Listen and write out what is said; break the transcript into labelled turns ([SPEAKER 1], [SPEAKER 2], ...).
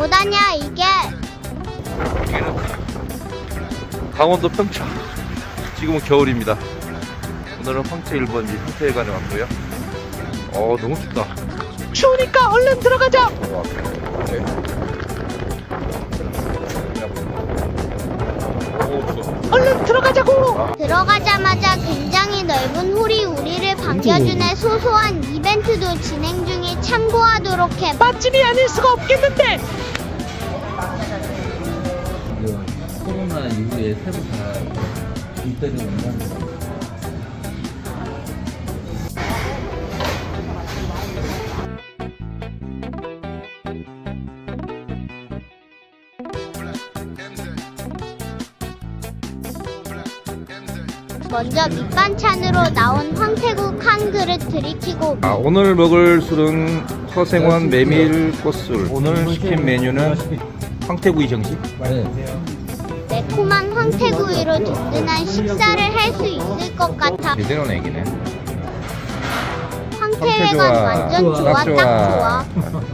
[SPEAKER 1] 뭐다냐 이게?
[SPEAKER 2] 여기는 강원도 평창. 지금은 겨울입니다. 오늘은 황태 1번지 황태회관에 왔고요. 너무 춥다.
[SPEAKER 3] 추우니까 얼른 들어가자.
[SPEAKER 2] 네.
[SPEAKER 3] 얼른 들어가자고.
[SPEAKER 1] 들어가자마자 굉장히 넓은 홀이 우리를 반겨주는 소소한 이벤트도 진행 중이 참고하도록 해.
[SPEAKER 3] 맛집이 아닐 수가 없겠는데.
[SPEAKER 4] 코로나 이후에 새로 다 일대를 만나는 거.
[SPEAKER 1] 먼저 밑반찬으로 나온 황태국 한 그릇 들이키고
[SPEAKER 2] 오늘 먹을 술은 서생원 메밀 꽃술. 오늘 시킨 메뉴는 황태구이 정식.
[SPEAKER 4] 네.
[SPEAKER 1] 매콤한 황태구이로 든든한 식사를 할 수 있을 것 같아.
[SPEAKER 2] 제대로 내기네.
[SPEAKER 1] 황태회관 완전 좋아, 딱 좋아.